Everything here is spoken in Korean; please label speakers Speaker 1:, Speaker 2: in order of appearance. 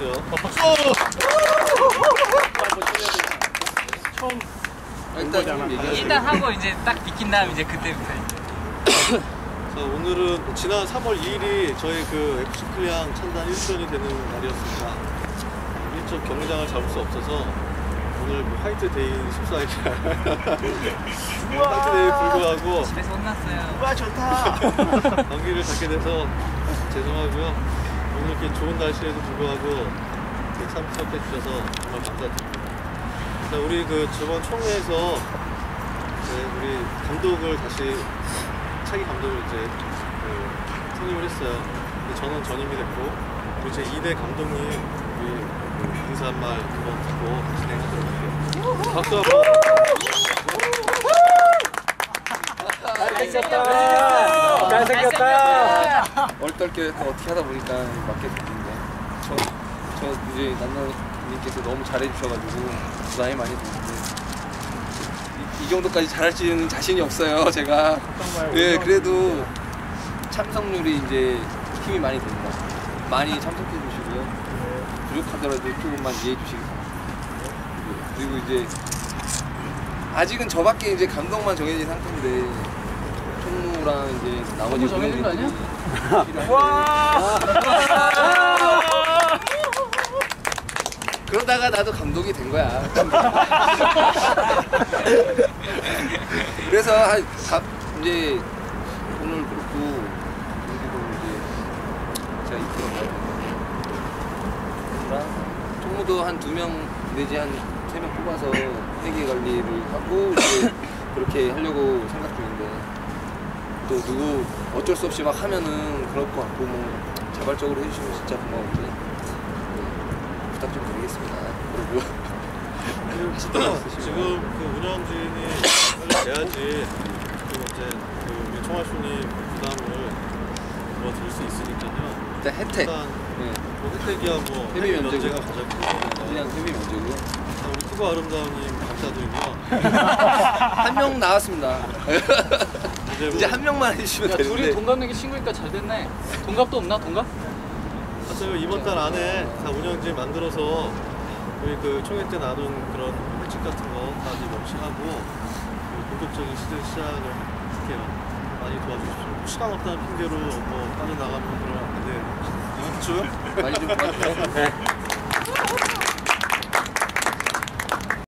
Speaker 1: 주세요.
Speaker 2: 처음
Speaker 3: 일단 하고 이제 딱 비킨 다음 이제 그때부터.
Speaker 1: 자, 오늘은 지난 3월 2일이 저희 그 FC 클리앙 창단 1주년이 되는 날이었습니다. 일찍 경기장을 잡을 수 없어서 오늘 뭐 화이트데이인 14일 화이트데이에 불구하고
Speaker 3: 집에서 혼났어요.
Speaker 2: 와 좋다.
Speaker 1: 경기를 갖게 돼서 죄송하고요. 오늘 이렇게 좋은 날씨에도 불구하고 이렇게 참석해 주셔서 정말 감사드립니다. 자, 우리 그 저번 총회에서 우리 감독을 다시 차기 감독을 이제 선임을 했어요. 근데 저는 전임이 됐고 우리 제 2대 감독님 우리 인사 한 말 한번 듣고 진행하도록 할게요. 박수 한번.
Speaker 2: 잘생겼다. 잘생겼다.
Speaker 4: 얼떨결에 어떻게 하다 보니까 맡게 됐는데 저 이제 남나님께서 너무 잘해주셔가지고 부담이 많이 됐는데 이 정도까지 잘할지는 자신이 없어요 제가. 예, 그래도 참석률이 이제 힘이 많이 됩니다. 많이 참석해 주시고요. 부족하더라도 조금만 이해해 주시기 바랍니다. 그리고 이제 아직은 저밖에 이제 감독만 정해진 상태인데 총무랑 이제 나머지
Speaker 3: 정해진 거 아니야?
Speaker 2: 와.
Speaker 4: 그러다가 나도 감독이 된 거야. 그래서 이제 오늘 그렇고 경기도 이제 제가 이끌어가요. 총무도 한 2명 내지 한 3명 뽑아서 회계 관리를 하고 이제 그렇게 하려고 생각 중인데 또 누구 어쩔 수 없이 막 하면은 그럴 것 같고 뭐 자발적으로 해주시면 진짜 고마운데 부탁 좀 드리겠습니다. 그리고
Speaker 1: 지금 그 운영진이 빨리 돼야지 또 이제 그 우리 총알순위 부담을 들을 수 있으니까요.
Speaker 4: 일단 혜택.
Speaker 1: 일단 뭐 혜택이야 뭐
Speaker 4: 회비 면제가
Speaker 1: 가장 크고
Speaker 4: 그냥 회비 면제고요.
Speaker 1: 우리 투고 아름다운님 감사드리고요.
Speaker 4: 한 명 나왔습니다. 이제 한 명만 해주시면
Speaker 3: 야,
Speaker 4: 되는데.
Speaker 3: 둘이 동갑 내기 친구니까 잘 됐네. 동갑도 없나? 동갑?
Speaker 1: 사실 이번 달 안에 다 운영진 만들어서 우리 그 총회 때 나눈 그런 회칙 같은 거까지 명시하고 본격적인 시작을 할게요. 많이 도와주십시오. 시간 없다는 핑계로 뭐 빠져나가면 그러면 안 돼요.
Speaker 4: 많이 좀 도와주세요.